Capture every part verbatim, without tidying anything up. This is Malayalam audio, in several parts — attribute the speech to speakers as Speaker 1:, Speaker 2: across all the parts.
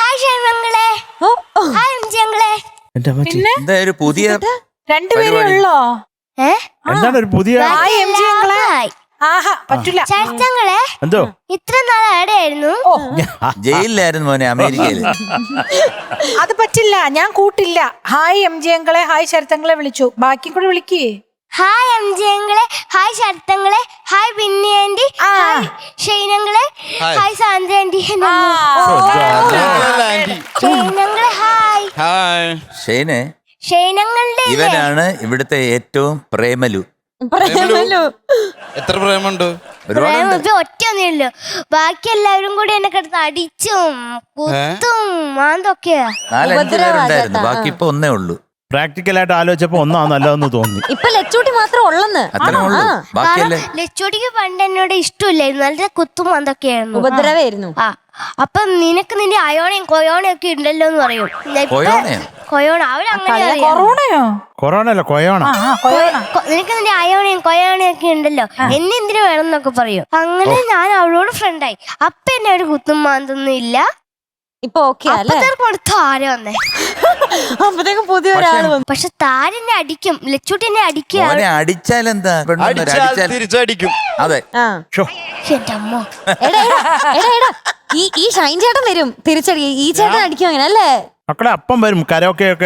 Speaker 1: ഹായ് ഷൈമങ്ങളെ. ഹായ് എംജിങ്ങളെ.
Speaker 2: എന്താ ഒരു പുതിയ
Speaker 3: രണ്ടുപേരേ ഉള്ളോ?
Speaker 4: എന്താണ് ഒരു പുതിയ
Speaker 1: ചേട്ടങ്ങളെ
Speaker 4: എന്തോ
Speaker 1: ഇത്ര നാൾ എവിടെയായിരുന്നു?
Speaker 2: ജയിലിലായിരുന്നു മോനെ, അമേരിക്കയില്.
Speaker 3: അത് പറ്റില്ല, ഞാൻ കൂട്ടില്ല. ഹായ് എം ജി അങ്കളെ, ഹായ് ശരത്തങ്ങളെ വിളിച്ചു, ബാക്കി കൂടെ വിളിക്കേ.
Speaker 1: ഹായ് എംജിങ്ങളെ, ഹായ് ശരത്തങ്ങളെ, ഹായ് ബിന്നി ആന്റി, ഹായ് ഷൈനങ്ങളെ, ഹായ് സാന്ദ്ര ആന്റി. ഷൈനങ്ങളെ ഹായ്.
Speaker 2: ഹായ് ഷൈനെ.
Speaker 1: ഷൈനങ്ങളുടെ
Speaker 2: ഇവനാണ് ഇവിടുത്തെ ഏറ്റവും പ്രേമലു.
Speaker 5: എത്ര പ്രേമുണ്ട്?
Speaker 1: ഒറ്റയൊന്നുമില്ലോ, ബാക്കി എല്ലാവരും കൂടി എന്നെ കിടന്ന് അടിച്ചും കുത്തും മാന്തൊക്കെയാ.
Speaker 2: നാലഞ്ചു പേരുണ്ടായിരുന്നു, ബാക്കി ഇപ്പൊ ഒന്നേ ഉള്ളൂ.
Speaker 4: പ്രാക്ടിക്കലായിട്ട് ആലോചിച്ചപ്പോ ഒന്നാ നല്ലതെന്ന് തോന്നി.
Speaker 6: ഇപ്പൊ ലച്ചൂട്ടി മാത്രം ഉള്ളെന്ന്.
Speaker 1: ലച്ചോട്ടിക്ക് പണ്ട് എന്നോട് ഇഷ്ടമില്ലായിരുന്നു, നല്ല കുത്തും മാന്തൊക്കെയായിരുന്നു,
Speaker 6: ഉപദ്രവായിരുന്നു.
Speaker 1: ആ അപ്പൊ നിനക്ക് നിന്റെ അയോണയും കൊയോണയും ഒക്കെ ഉണ്ടല്ലോ എന്ന് പറയും. കൊയോണ അവരങ്ങനെ
Speaker 3: കൊറോണയോ?
Speaker 4: കൊറോണ അല്ല കൊയോണ.
Speaker 1: നിനക്ക് നിന്റെ അയോണയും കൊയോണയും ഒക്കെ ഉണ്ടല്ലോ, എന്നെ എന്തിനു വേണം എന്നൊക്കെ പറയും. അങ്ങനെ ഞാൻ അവളോട് ഫ്രണ്ടായി. അപ്പൊ എന്നെ ഒരു കുത്തും മാന്തൊന്നും ഇല്ല.
Speaker 6: ഇപ്പൊ ഓക്കെ
Speaker 1: താര വന്നേ,
Speaker 6: അപ്പത്തേക്കും പുതിയ ഒരാള് വന്നു.
Speaker 1: പക്ഷെ താരെന്നെ അടിക്കും, ലച്ചൂട്ടി എന്നെ അടിക്കുക.
Speaker 2: അടിച്ചാലെന്താ
Speaker 5: തിരിച്ചടിക്കും.
Speaker 2: അതെ.
Speaker 1: എന്റെ അമ്മ,
Speaker 6: ഈ ഈ ഷൈൻ ചേട്ടൻ വരും തിരിച്ചടി, ഈ ചേട്ടൻ അടിക്കും അങ്ങനെ അല്ലേ?
Speaker 4: മക്കളെ അപ്പം വരും കരോക്കെ ഒക്കെ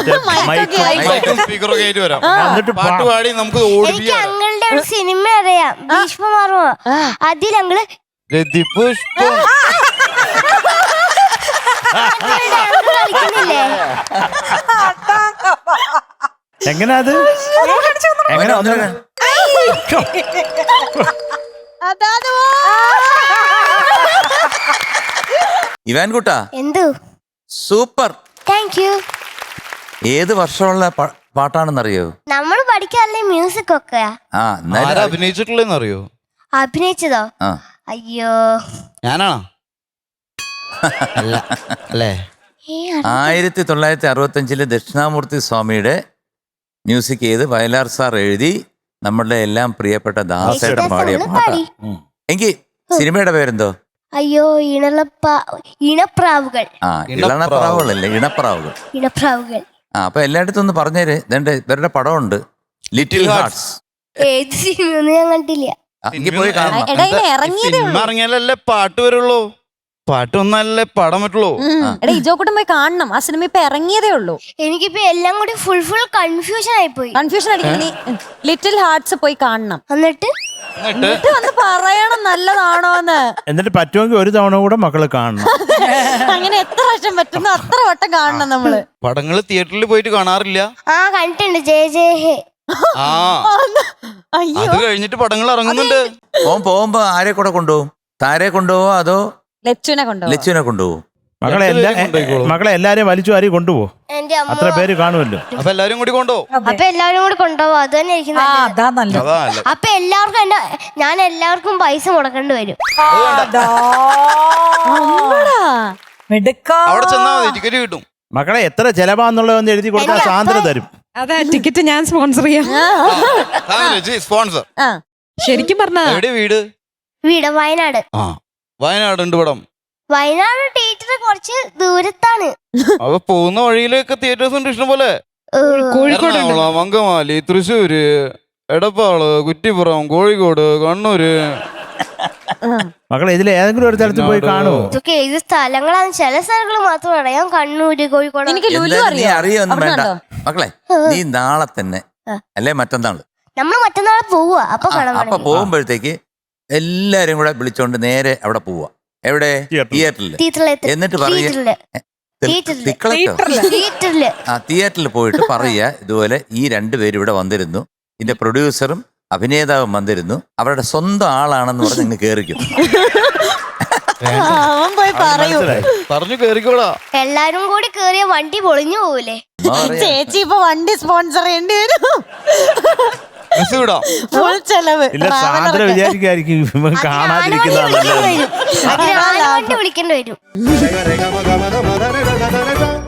Speaker 5: പാട്ടുപാടി നമുക്ക്
Speaker 1: എനിക്ക് അങ്ങളുടെ ഒരു സിനിമ അറിയാം, ഭീഷ്മമാർമ്മ. അതിൽ അങ്ങള്
Speaker 4: എങ്ങനാ അത് എങ്ങനെ
Speaker 2: ഇവാൻ കുട്ടാ,
Speaker 1: എന്തു
Speaker 2: സൂപ്പർ,
Speaker 1: താങ്ക് യു.
Speaker 2: ഏത് വർഷമുള്ള പാട്ടാണെന്നറിയോ?
Speaker 1: നമ്മള് പഠിക്കാറില്ലേ മ്യൂസിക് ഒക്കെ.
Speaker 2: ആ
Speaker 5: അഭിനയിച്ചിട്ടുള്ളതെന്നറിയോ?
Speaker 1: അഭിനയിച്ചതോ? അയ്യോ
Speaker 5: ഞാനാണോ? അല്ലേ?
Speaker 2: ആയിരത്തി തൊള്ളായിരത്തി അറുപത്തി അഞ്ചില് ദക്ഷിണാമൂർത്തി സ്വാമിയുടെ മ്യൂസിക് ചെയ്ത് വയലാർ സാർ എഴുതി നമ്മളുടെ എല്ലാം പ്രിയപ്പെട്ട ദാസേട്ടൻ പാടിയ പാട്ടാ. എങ്കിൽ സിനിമയുടെ പേരെന്തോ?
Speaker 1: അയ്യോ ഇണളപ്പ ഇണപ്രാവുകൾ.
Speaker 2: ആ ഇളണപ്രാവുകളല്ലേ, ഇണപ്രാവുകൾ.
Speaker 1: ഇണപ്രാവുകൾ.
Speaker 2: ആ അപ്പൊ എല്ലായിടത്തും ഒന്ന് പറഞ്ഞേര്. ഇതെന്റെ ഇവരുടെ പടമുണ്ട്, ലിറ്റിൽ ഹാർട്ട്സ്.
Speaker 1: ഏത് സിനിമ ഞാൻ കണ്ടില്ല.
Speaker 2: എനിക്ക് പോയി കാണണം.
Speaker 5: സിനിമ ഇറങ്ങിയാലല്ലേ പാട്ട് വരുള്ളൂ, പാട്ട് ഒന്നല്ലേ പാടാൻ പറ്റുള്ളൂ.
Speaker 6: എടാ ഇജോക്കൂട്ടം പോയി കാണണം, ആ സിനിമ ഇപ്പൊ ഇറങ്ങിയതേ ഉള്ളൂ.
Speaker 1: എനിക്കിപ്പോ എല്ലാം കൂടി ഫുൾ ഫുൾ കൺഫ്യൂഷൻ ആയിപ്പോയി.
Speaker 6: കൺഫ്യൂഷൻ അടിക്കണി, ലിറ്റിൽ ഹാർട്ട്സ് പോയി കാണണം.
Speaker 1: എന്നിട്ട്
Speaker 6: എന്നിട്ട് വന്ന് പറയണം നല്ലതാണോന്ന്.
Speaker 4: എന്നിട്ട് പറ്റുമെങ്കിൽ ഒരു തവണ കൂടെ മക്കള് കാണണം.
Speaker 6: അങ്ങനെ എത്ര വർഷം പറ്റുന്നു അത്ര വട്ടം കാണണം നമ്മള്.
Speaker 5: പടങ്ങള് തിയേറ്ററിൽ പോയിട്ട് കാണാറില്ല?
Speaker 1: ആ കണ്ടിട്ടുണ്ട്, ജയ ജയ ഹേ.
Speaker 5: ആ അത് കഴിഞ്ഞിട്ട് പടങ്ങൾ ഇറങ്ങുന്നുണ്ട്.
Speaker 2: ഓൻ പോകുമ്പോ ആരെ കൂടെ കൊണ്ടുപോകും? താരെ കൊണ്ടുപോവോ അതോ
Speaker 6: ലച്ചുവിനെ കൊണ്ടുപോകും?
Speaker 2: ലച്ചുവിനെ കൊണ്ടുപോകും.
Speaker 4: മക്കളെ എല്ലാ മക്കളെ എല്ലാരെയും വലിച്ചു വാരി കൊണ്ടുപോകും. അത്ര പേര് കാണുമല്ലോ.
Speaker 5: അപ്പൊ എല്ലാരും കൂടി കൊണ്ടുപോകും.
Speaker 1: അപ്പൊ എല്ലാവരും കൂടി കൊണ്ടുപോകും, അത് തന്നെ എനിക്ക് നല്ലത്. അപ്പൊ എല്ലാവർക്കും എന്റെ ഞാൻ എല്ലാവർക്കും പൈസ മുടക്കേണ്ടി വരും.
Speaker 5: അവിടെ ചെന്നാ മതി, ടിക്കറ്റ് കിട്ടും.
Speaker 4: മക്കളെ എത്ര ചെലവാന്നുള്ളതെന്ന് എഴുതി കൊടുത്താൽ സാന്ദ്ര തരും.
Speaker 7: അതെ, ടിക്കറ്റ് ഞാൻ സ്പോൺസർ ചെയ്യാം.
Speaker 5: സ്പോൺസർ
Speaker 7: ശരിക്കും പറഞ്ഞ
Speaker 5: വീട്
Speaker 1: വീട് വയനാട്.
Speaker 5: ആ വയനാട് ഉണ്ട് പടം.
Speaker 1: വയനാട് തിയേറ്റർ കുറച്ച് ദൂരത്താണ്.
Speaker 5: അപ്പൊ പോകുന്ന വഴിയിലൊക്കെ തിയേറ്റേഴ്സ് ഉണ്ട് ഇഷ്ടം പോലെ. എറണാകുളം, അങ്കമാലി, തൃശ്ശൂര്, എടപ്പാള്, കുറ്റിപ്പുറം, കോഴിക്കോട്, കണ്ണൂര്.
Speaker 4: മക്കളെ ഇതിൽ ഏതെങ്കിലും ഒരു സ്ഥലത്ത് പോയി കാണുമോ?
Speaker 1: ഇതൊക്കെ ഏത് സ്ഥലങ്ങളാണ്? ചില സ്ഥലങ്ങൾ മാത്രം അറിയാം, കണ്ണൂര്, കോഴിക്കോട്.
Speaker 2: നീ അറിയൊന്നും വേണ്ട മക്കളെ, നീ നാളെ തന്നെ അല്ലെ മറ്റന്നാള്
Speaker 1: നമ്മൾ മറ്റന്നാളെ പോവുക. അപ്പൊ
Speaker 2: അപ്പൊ പോകുമ്പോഴത്തേക്ക് എല്ലാരും കൂടെ വിളിച്ചോണ്ട് നേരെ അവിടെ പോവാ. എവിടെ? തിയേറ്ററിൽ. എന്നിട്ട് പറയാ ആ തിയേറ്ററിൽ പോയിട്ട് പറയാ ഇതുപോലെ ഈ രണ്ടുപേരും ഇവിടെ വന്നിരുന്നു, ഇതിന്റെ പ്രൊഡ്യൂസറും അഭിനേതാവും വന്നിരുന്നു, അവരുടെ സ്വന്തം ആളാണെന്ന് പറഞ്ഞ് നിങ്ങൾ കേറിക്കും.
Speaker 5: പറഞ്ഞു കേറിക്കോടാ.
Speaker 1: എല്ലാരും കൂടി കേറിയ വണ്ടി പൊളിഞ്ഞു പോകൂലേ?
Speaker 6: ചേച്ചി ഇപ്പൊ വണ്ടി സ്പോൺസർ ചെയ്യേണ്ടി വരും. ഫുൾ ചെലവ്.
Speaker 4: ഇല്ല, സാന്ദ്ര വിചാരിക്കായിരിക്കും കാണാതിരിക്കുന്നതാണ്.
Speaker 1: വിളിക്കേണ്ടി വരും.